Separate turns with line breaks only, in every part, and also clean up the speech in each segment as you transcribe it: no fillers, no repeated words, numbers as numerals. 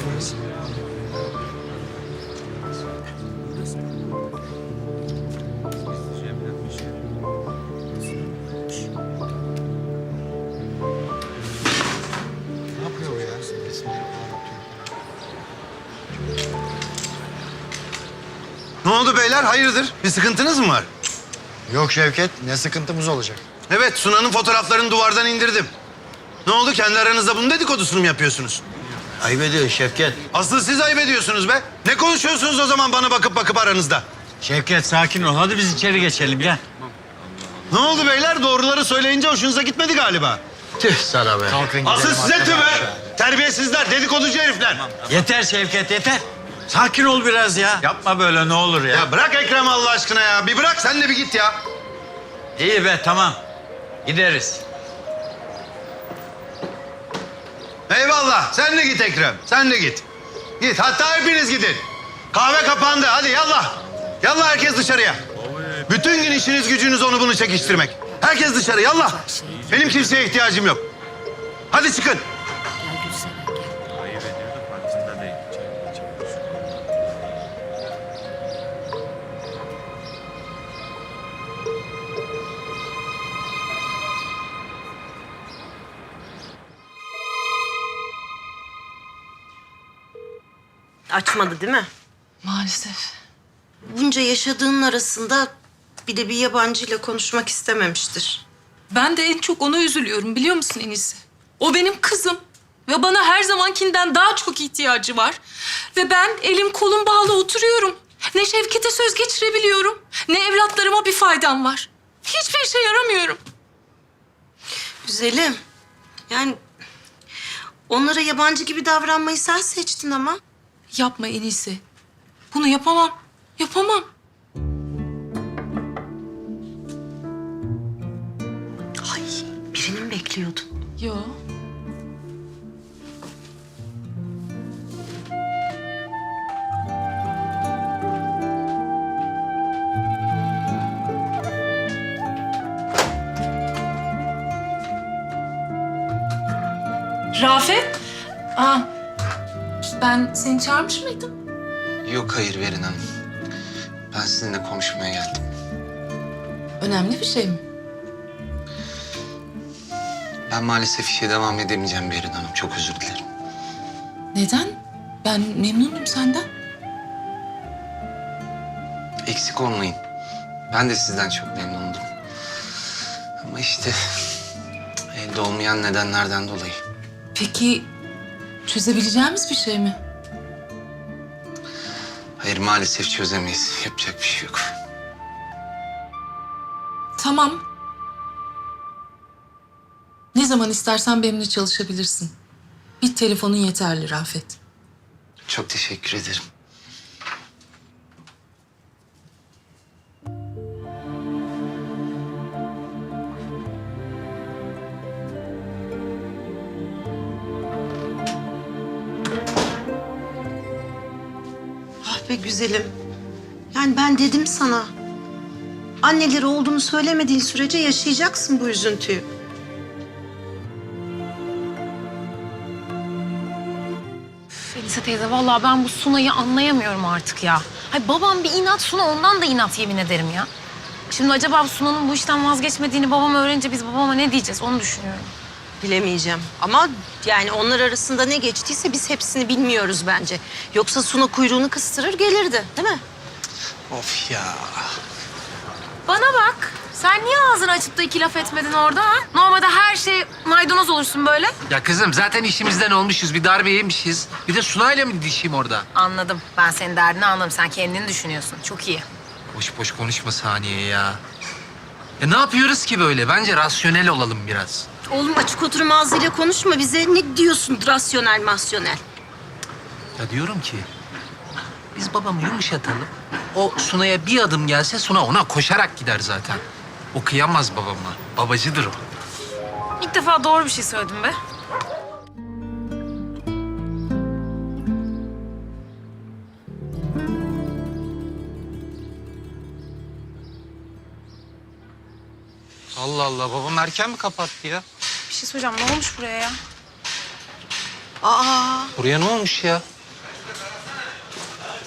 Ne yapıyor bu ya?
Ne oldu beyler? Hayırdır? Bir sıkıntınız mı var?
Yok Şevket, ne sıkıntımız olacak?
Evet, Sunan'ın fotoğraflarını duvardan indirdim. Ne oldu? Kendi aranızda bunun dedikodusunu mu yapıyorsunuz?
Ayıp ediyor Şevket.
Asıl siz ayıp ediyorsunuz be. Ne konuşuyorsunuz o zaman bana bakıp aranızda?
Şevket sakin ol. Hadi biz içeri geçelim gel.
Ne oldu beyler? Doğruları söyleyince hoşunuza gitmedi galiba.
Tüh sana be.
Kalkın
Asıl
gidelim
size tüh
arkadaşlar.
be. Terbiyesizler, dedikoducu herifler.
Yeter Şevket yeter. Sakin ol biraz ya. Yapma böyle ne olur ya.
Ya bırak Ekrem Allah aşkına ya. Bir bırak sen de bir git ya.
İyi be tamam. Gideriz.
Eyvallah. Sen de git Ekrem. Sen de git. Git. Hatta hepiniz gidin. Kahve kapandı. Hadi yallah. Yallah herkes dışarıya. Bütün gün işiniz gücünüz onu bunu çekiştirmek. Herkes dışarı yallah. Benim kimseye ihtiyacım yok. Hadi çıkın.
Ayıp ediyor da farkında değil.
Açmadı değil mi?
Maalesef.
Bunca yaşadığının arasında bir de bir yabancıyla konuşmak istememiştir.
Ben de en çok ona üzülüyorum biliyor musun Enis? O benim kızım ve bana her zamankinden daha çok ihtiyacı var. Ve ben elim kolum bağlı oturuyorum. Ne Şevket'e söz geçirebiliyorum, ne evlatlarıma bir faydam var. Hiçbir işe yaramıyorum.
Güzelim. Yani onlara yabancı gibi davranmayı sen seçtin ama.
Yapma Enis'i. Bunu yapamam, yapamam.
Ay, birini mi bekliyordun?
Yo. Rafet. Aa, ben seni çağırmış mıydım?
Yok hayır Verin Hanım. Ben sizinle konuşmaya geldim.
Önemli bir şey mi?
Ben maalesef işe devam edemeyeceğim Verin Hanım. Çok özür dilerim.
Neden? Ben memnunum senden.
Eksik olmayın. Ben de sizden çok memnundum. Ama işte elde olmayan nedenlerden dolayı.
Peki çözebileceğimiz bir şey mi?
Hayır maalesef çözemeyiz. Yapacak bir şey yok.
Tamam. Ne zaman istersen benimle çalışabilirsin. Bir telefonun yeterli Rafet.
Çok teşekkür ederim.
Ah be güzelim. Yani ben dedim sana. Anneleri olduğunu söylemediğin sürece yaşayacaksın bu üzüntüyü.
Elisa teyze vallahi ben bu Suna'yı anlayamıyorum artık ya. Hay babam bir inat, Suna ondan da inat yemin ederim ya. Şimdi acaba Suna'nın bu işten vazgeçmediğini babam öğrenince biz babama ne diyeceğiz onu düşünüyorum.
Bilemeyeceğim ama yani onlar arasında ne geçtiyse biz hepsini bilmiyoruz bence. Yoksa Suna kuyruğunu kıstırır gelirdi değil mi?
Of ya.
Bana bak. Sen niye ağzını açıp da iki laf etmedin orada ha? Normalde her şey maydanoz olursun böyle.
Ya kızım zaten işimizden olmuşuz. Bir darbe yemişiz. Bir de Sunay'la mı didişeyim orada?
Anladım. Ben senin derdini anladım. Sen kendini düşünüyorsun. Çok iyi.
Boş boş konuşma Saniye ya. Ya ne yapıyoruz ki böyle? Bence rasyonel olalım biraz.
Oğlum açık oturum ağzıyla konuşma bize. Ne diyorsun rasyonel masyonel?
Ya diyorum ki biz babamı yumuşatalım. O Sunay'a bir adım gelse Suna ona koşarak gider zaten. O kıyamaz babama. Babacıdır o.
İlk defa doğru bir şey söyledim be.
Allah Allah babam erken mi kapattı ya?
Bir şey söyleyeceğim. Ne olmuş buraya ya?
Aa,
Buraya ne olmuş ya?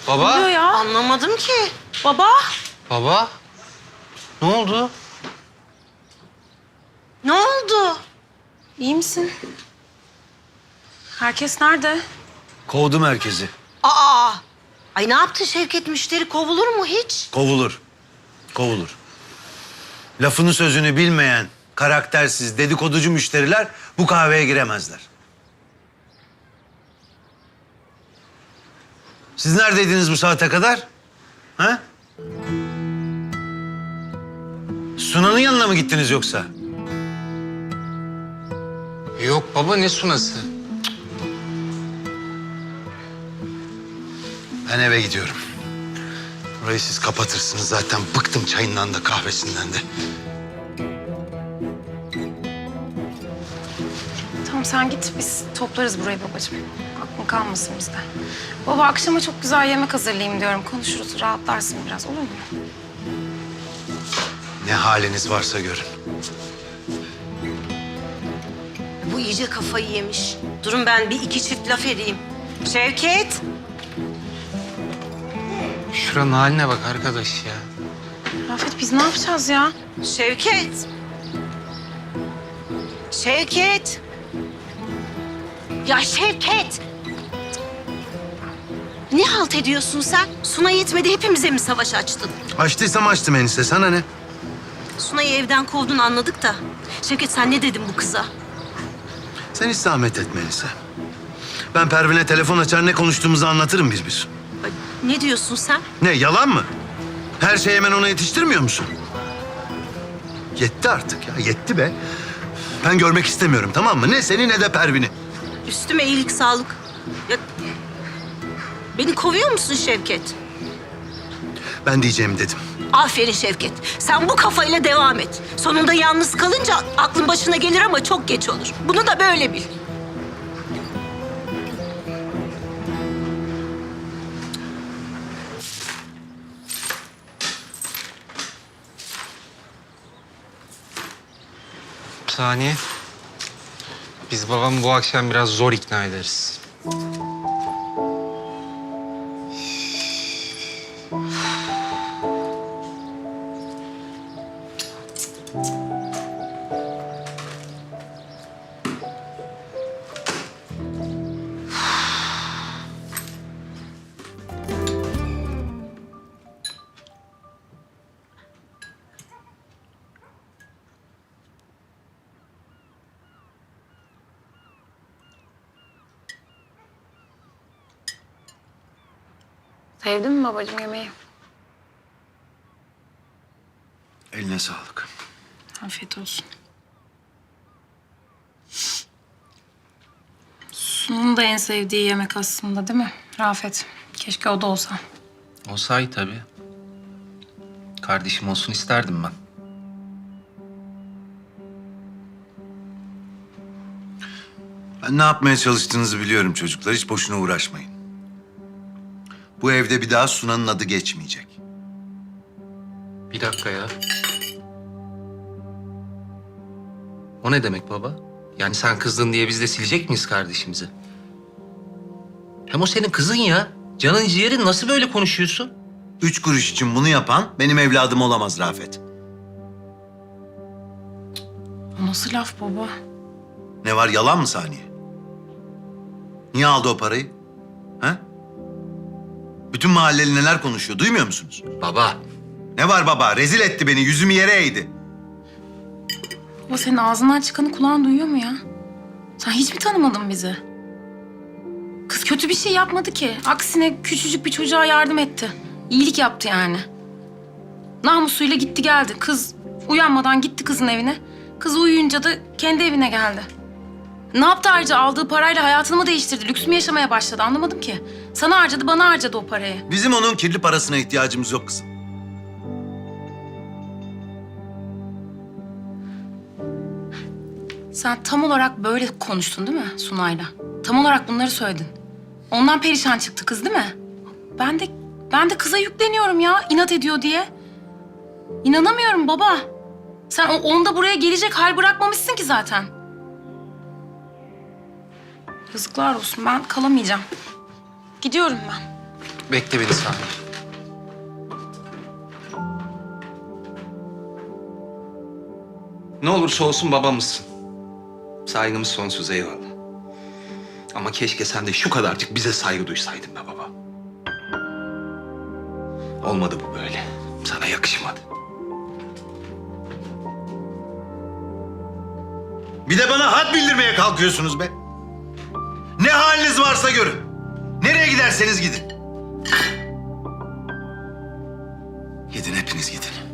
Ne oluyor
Baba?
ya?
Anlamadım ki.
Baba?
Baba? Ne oldu?
Ne oldu?
İyi misin? Herkes nerede?
Kovdum herkesi.
Aa! Ay ne yaptı Şevket? Müşteri kovulur mu hiç?
Kovulur. Kovulur. Lafını sözünü bilmeyen, karaktersiz, dedikoducu müşteriler bu kahveye giremezler. Siz neredeydiniz bu saate kadar? Ha? Sunan'ın yanına mı gittiniz yoksa?
Yok baba, ne sunası?
Ben eve gidiyorum. Burayı siz kapatırsınız zaten. Bıktım çayından da kahvesinden de.
Tamam sen git, biz toplarız burayı babacığım. Aklın kalmasın bizde. Baba akşama çok güzel yemek hazırlayayım diyorum. Konuşuruz, rahatlarsın biraz, olur mu?
Ne haliniz varsa görün.
Bu iyice kafayı yemiş. Durun ben bir iki çift laf edeyim. Şevket!
Şuranın haline bak arkadaş ya.
Rafet biz ne yapacağız ya?
Şevket! Şevket! Ya Şevket! Ne halt ediyorsun sen? Suna yetmedi hepimize mi savaş açtın?
Açtıysam açtım enişte. Sana ne?
Sunay'ı evden kovdun anladık da. Şevket sen ne dedin bu kıza?
Sen hiç zahmet etme enişte. Ben Pervin'e telefon açar, ne konuştuğumuzu anlatırım bir.
Ay, ne diyorsun sen?
Ne, yalan mı? Her şeyi hemen ona yetiştirmiyor musun? Yetti artık ya, yetti be. Ben görmek istemiyorum, tamam mı? Ne seni ne de Pervin'i.
Üstüme iyilik sağlık. Ya, beni kovuyor musun Şevket?
Ben diyeceğimi dedim.
Aferin Şevket. Sen bu kafayla devam et. Sonunda yalnız kalınca aklın başına gelir ama çok geç olur. Bunu da böyle bil.
Saniye. Biz babamı bu akşam biraz zor ikna ederiz.
Sevdin mi babacığım yemeği?
Eline sağlık.
Afiyet olsun. Sun'un da en sevdiği yemek aslında değil mi Rafet? Keşke o da olsa.
O sahi tabii. Kardeşim olsun isterdim ben.
Ben ne yapmaya çalıştığınızı biliyorum çocuklar. Hiç boşuna uğraşmayın. Bu evde bir daha Sunan'ın adı geçmeyecek.
Bir dakika ya. O ne demek baba? Yani sen kızdın diye biz de silecek miyiz kardeşimizi? Hem o senin kızın ya. Canın ciğerin, nasıl böyle konuşuyorsun?
3 kuruş için bunu yapan benim evladım olamaz Rafet.
O nasıl laf baba?
Ne var, yalan mı Saniye? Niye aldı o parayı? Ha? Bütün mahalleli neler konuşuyor, duymuyor musunuz?
Baba.
Ne var baba? Rezil etti beni, yüzümü yere eğdi.
Baba senin ağzından çıkanı kulağın duyuyor mu ya? Sen hiç mi tanımadın bizi? Kız kötü bir şey yapmadı ki. Aksine küçücük bir çocuğa yardım etti. İyilik yaptı yani. Namusuyla gitti geldi. Kız uyanmadan gitti kızın evine. Kız uyuyunca da kendi evine geldi. Ne yaptı ayrıca? Aldığı parayla hayatını mı değiştirdi? Lüks mü yaşamaya başladı? Anlamadım ki. Sana harcadı, bana harcadı o parayı.
Bizim onun kirli parasına ihtiyacımız yok kızım.
Sen tam olarak böyle konuştun değil mi Sunay'la? Tam olarak bunları söyledin. Ondan perişan çıktı kız değil mi? Ben de kıza yükleniyorum ya, inat ediyor diye. İnanamıyorum baba. Sen onda buraya gelecek hal bırakmamışsın ki zaten. Yazıklar olsun, ben kalamayacağım. Gidiyorum ben.
Bekle beni Sami. Ne olursa olsun babamızsın. Saygımız sonsuz, eyvallah. Ama keşke sen de şu kadarcık bize saygı duysaydın be baba. Olmadı bu böyle. Sana yakışmadı.
Bir de bana had bildirmeye kalkıyorsunuz be. Ne haliniz varsa görün. Nereye giderseniz gidin.
Gidin, hepiniz gidin.